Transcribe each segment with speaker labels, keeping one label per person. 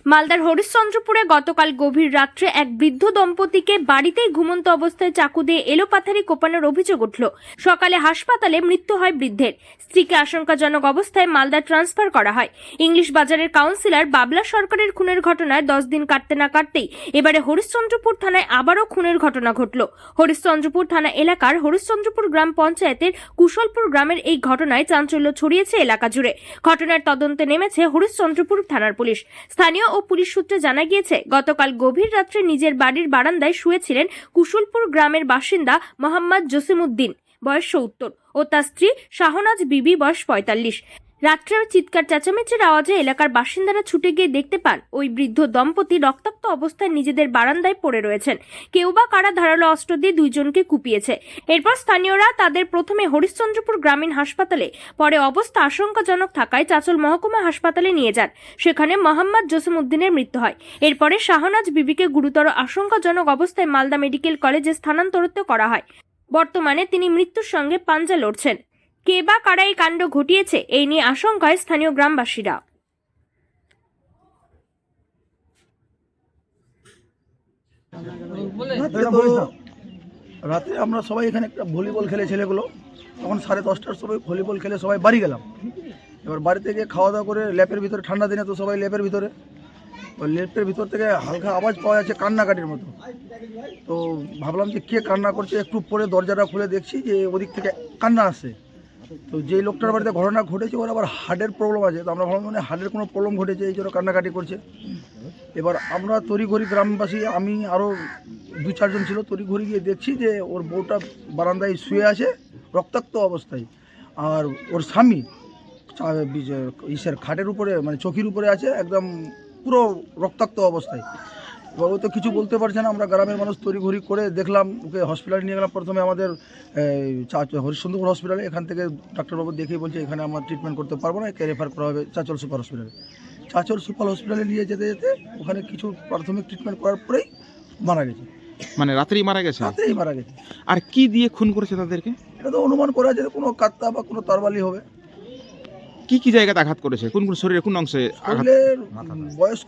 Speaker 1: মালদার হরিশ্চন্দ্রপুরে গতকাল গভীর রাত্রে এক বৃদ্ধ দম্পতিকে বাড়িতেই ঘুমন্ত অবস্থায় চাকু দিয়ে এলোপাথারি কোপানোর অভিযোগ উঠল। সকালে হাসপাতালে মৃত্যু হয় বৃদ্ধের। স্ত্রীকে আশঙ্কাজনক অবস্থায় মালদা ট্রান্সফার করা হয়। ইংলিশ বাজারের কাউন্সিলর বাবলা সরকারের খুনের ঘটনায় 10 দিন কাটতে না কাটতেই এবারে হরিশ্চন্দ্রপুর থানায় আবারও খুনের ঘটনা ঘটল। হরিশ্চন্দ্রপুর থানা এলাকার হরিশ্চন্দ্রপুর গ্রাম পঞ্চায়েতের কুশলপুর গ্রামের এই ঘটনায় চাঞ্চল্য ছড়িয়েছে এলাকা জুড়ে। ঘটনার তদন্তে নেমেছে হরিশ্চন্দ্রপুর থানার পুলিশ। স্থানীয় ও পুলিশ সূত্রে জানা গিয়েছে, গতকাল গভীর রাত্রে নিজের বাড়ির বারান্দায় শুয়েছিলেন কুশলপুর গ্রামের বাসিন্দা মোহাম্মদ জসিমউদ্দিন, বয়স 70, ও তার স্ত্রী শাহনাজ বিবি, বয়স 45। রাত্রে চিৎকার চেঁচামেচির আওয়াজে এলাকার বাসিন্দারা ছুটে গিয়ে দেখতে পান ওই বৃদ্ধ দম্পতি রক্তাক্ত অবস্থায় নিজেদের বারান্দায় পড়ে রয়েছেন। কেউ বা কারা ধারালো অস্ত্র দিয়ে দুইজনকে কুপিয়েছে। এরপর স্থানীয়রা তাদের প্রথমে হরিশ্চন্দ্রপুর গ্রামীণ হাসপাতালে, পরে অবস্থা আশঙ্কাজনক থাকায় চাঁচল মহকুমা হাসপাতালে নিয়ে যান। সেখানে মোহাম্মদ জসিমউদ্দিনের মৃত্যু হয়। এরপরে শাহনাজ বিবিকে গুরুতর আশঙ্কাজনক অবস্থায় মালদা মেডিকেল কলেজে স্থানান্তরিত করা হয়। বর্তমানে তিনি মৃত্যুর সঙ্গে পাঞ্জা লড়ছেন। কে বা কারা এই কাণ্ড ঘটিয়েছে, এই নিয়ে আশঙ্কায় স্থানীয় গ্রামবাসীরা।
Speaker 2: রাতে আমরা সবাই এখানে একটা ভলিবল খেলে ছেলেগুলো, তখন 10:30টার সময় ভলিবল খেলে সবাই বাড়ি গেলাম। এবার বাড়ি থেকে খাওয়া দাওয়া করে ল্যাপের ভিতরে, ঠান্ডা দিনে তো সবাই ল্যাপের ভিতরে, ওই ল্যাপের ভিতর থেকে হালকা আওয়াজ পাওয়া যাচ্ছে কান্নাকাটির মতো। তো ভাবলাম যে কে কান্না করছে, একটু পরে দরজাটা খুলে দেখছি যে ওদিক থেকে কান্না আসছে। তো যেই লোকটার বাড়িতে ঘটনা ঘটেছে ওর আবার হার্টের প্রবলেম আছে, তো আমরা ভাবলাম মানে হার্টের কোনো প্রবলেম ঘটেছে, এই জন্য কান্নাকাটি করছে। এবার আমরা তড়িঘড়ি গ্রামবাসী, আমি আরও 2-4 জন ছিল, তড়িঘড়ি গিয়ে দেখছি যে ওর বউটা বারান্দায় শুয়ে আছে রক্তাক্ত অবস্থায়, আর ওর স্বামী খাটের উপরে, মানে চৌকির উপরে আছে, একদম পুরো রক্তাক্ত অবস্থায়। এবার ও তো কিছু বলতে পারছে না। আমরা গ্রামের মানুষ তড়িঘড়ি করে দেখলাম, ওকে হসপিটালে নিয়ে গেলাম। প্রথমে আমাদের হরিশ্চন্দ্রপুর হসপিটালে, এখান থেকে ডাক্তারবাবু দেখেই বলছে এখানে আমরা ট্রিটমেন্ট করতে পারবো না, একে রেফার করা হবে চাঁচল সুপার হসপিটালে। চাঁচল সুপার হসপিটালে নিয়ে যেতে যেতে ওখানে কিছু প্রাথমিক ট্রিটমেন্ট করার পরেই মারা গেছে।
Speaker 3: মানে রাতেই মারা গেছে?
Speaker 2: রাতেই মারা গেছে।
Speaker 3: আর কি দিয়ে খুন করেছে তাদেরকে?
Speaker 2: এটা তো অনুমান করা যায় কোনো কাত্তা বা কোনো তরবারি হবে।
Speaker 3: কি কি জায়গাতে আঘাত করেছে, কোন কোন শরীরে কোন অংশে আঘাত?
Speaker 2: বয়স্ক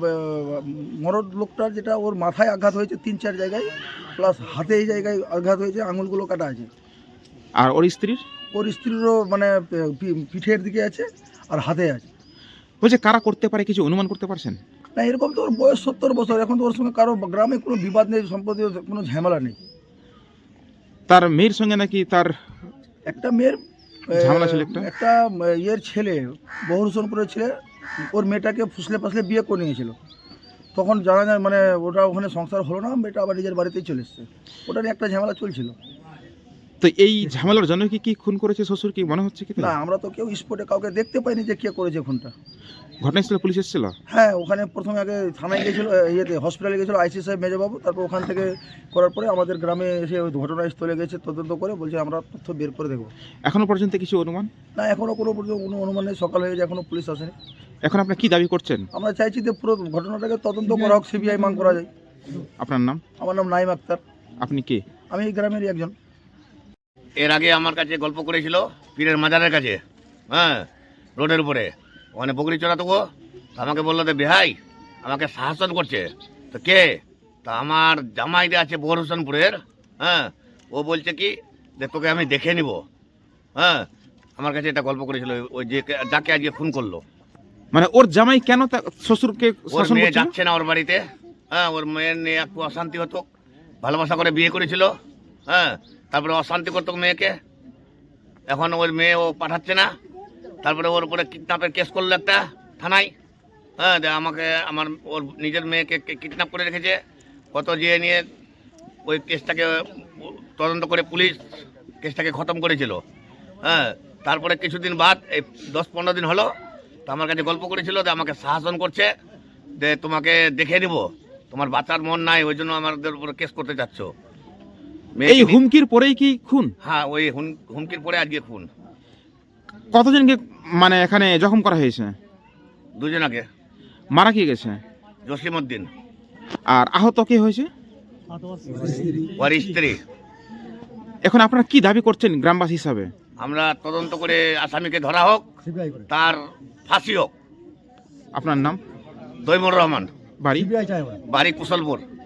Speaker 2: মরদ লোকটার যেটা, ওর মাথায় আঘাত হয়েছে 3-4 জায়গায়, প্লাস হাতে এই জায়গায় আঘাত হয়েছে, আঙুলগুলো কাটা আছে।
Speaker 3: আর ওর স্ত্রীর?
Speaker 2: ওর স্ত্রীরও মানে পিঠের দিকে আছে আর হাতে আছে।
Speaker 3: বলছে কারা করতে পারে, কিছু অনুমান করতে পারছেন?
Speaker 2: না, এরকম তো ওর বয়স 70 বছর, এখন তো ওর সঙ্গে কারো গ্রামে কোনো বিবাদ নেই, সম্পত্তি কোনো ঝামেলা নেই।
Speaker 3: তার মেয়ের সঙ্গে নাকি তার
Speaker 2: একটা মেয়ের
Speaker 3: ঝামেলা ছিল,
Speaker 2: একটা ইয়ের ছেলে, বহুরসনপুরের ছেলে, ওর মেয়েটাকে ফুসলে ফাসলে বিয়ে করে নিয়েছিল। তখন জানা যায় মানে ওটা ওখানে সংসার হলো না, মেয়েটা আবার নিজের বাড়িতেই চলে এসছে। ওটা নিয়ে একটা ঝামেলা চলছিল।
Speaker 3: তো এই ঝামেলার জন্য কি খুন করেছে শ্বশুর, কি মনে হচ্ছে কি?
Speaker 2: না, আমরা তো কেউ স্পটে কাউকে দেখতে পাইনি যে কে করেছে খুনটা।
Speaker 3: ঘটনাস্থলে পুলিশ এসেছিল?
Speaker 2: হ্যাঁ, ওখানে প্রথমে আগে থানায় গিয়েছিল, ইয়েতে হসপিটালে গিয়েছিল আইসি সাহেব মেজবাবু, তারপর ওখান থেকে করার পরে আমাদের গ্রামে এসে ওই ঘটনাস্থলে গেছে, তদন্ত করে বলছে আমরা তথ্য বের করে দেবো।
Speaker 3: এখনো পর্যন্ত কিছু অনুমান?
Speaker 2: না, এখনও কোনো অনুমান নেই। সকাল হয়ে যায়, এখনও পুলিশ আসেনি।
Speaker 3: এখন আপনি কি দাবি করছেন?
Speaker 2: আমরা চাইছি যে পুরো ঘটনাটাকে তদন্ত করা হোক, সিবিআই মান করা যায়।
Speaker 3: আপনার নাম?
Speaker 2: আমার নাম নাইম আক্তার।
Speaker 3: আপনি কে?
Speaker 2: আমি এই গ্রামেরই একজন।
Speaker 4: এর আগে আমার কাছে গল্প করেছিল পীরের মাজারের কাছে, হ্যাঁ, রোডের উপরে, ওখানে বকরি চড়াতো। আমাকে বললো যে বেহাই আমাকে শাসন করছে। তো কে? তা আমার জামাইটা আছে বহুরসনপুরের, হ্যাঁ, ও বলছে কি যে তোকে আমি দেখে নিব। হ্যাঁ, আমার কাছে এটা গল্প করেছিল, ওই যে যাকে আজকে ফোন করলো।
Speaker 3: মানে ওর জামাই কেন শ্বশুরকে
Speaker 4: ওর
Speaker 3: শাসন
Speaker 4: মেয়ে
Speaker 3: করছিল?
Speaker 4: যাচ্ছে না ওর বাড়িতে, হ্যাঁ, ওর মেয়ের নিয়ে একটু অশান্তি হতো, ভালোবাসা করে বিয়ে করেছিল, হ্যাঁ, তারপরে অশান্তি করতো মেয়েকে। এখন ওর মেয়ে ও পাঠাচ্ছে না, তারপরে ওর উপরে কিডন্যাপের কেস করলো একটা থানায়, হ্যাঁ, আমাকে ওর নিজের মেয়েকে কিডন্যাপ করে রেখেছে। কত যেয়ে নিয়ে ওই কেসটাকে তদন্ত করে পুলিশ কেসটাকে খতম করেছিল। হ্যাঁ, তারপরে কিছুদিন বাদ, এই 10-15 দিন হলো, তো আমার কাছে গল্প করেছিল যে আমাকে শাসন করছে, যে তোমাকে দেখে নিব, তোমার বাচ্চার মন নাই, ওই জন্য আমাদের উপরে কেস করতে চাচ্ছ।
Speaker 3: এই হুমকির পরেই কি খুন?
Speaker 4: হ্যাঁ, ওই হুমকির পরে আজকে খুন।
Speaker 3: কতজনকে মানে এখানে জখম করা হয়েছে?
Speaker 4: 2 জনকে।
Speaker 3: মারা কি গেছে?
Speaker 4: জসিমউদ্দিন।
Speaker 3: আর আহত কে হয়েছে?
Speaker 4: ওর স্ত্রী।
Speaker 3: এখন আপনারা কি দাবি করছেন গ্রামবাসী হিসাবে?
Speaker 4: আমরা তদন্ত করে আসামিকে ধরা হোক, তার ফাঁসি হোক।
Speaker 3: আপনার নাম?
Speaker 4: দৈমুর রহমান,
Speaker 3: বাড়ি
Speaker 4: বাড়ি কুশলপুর।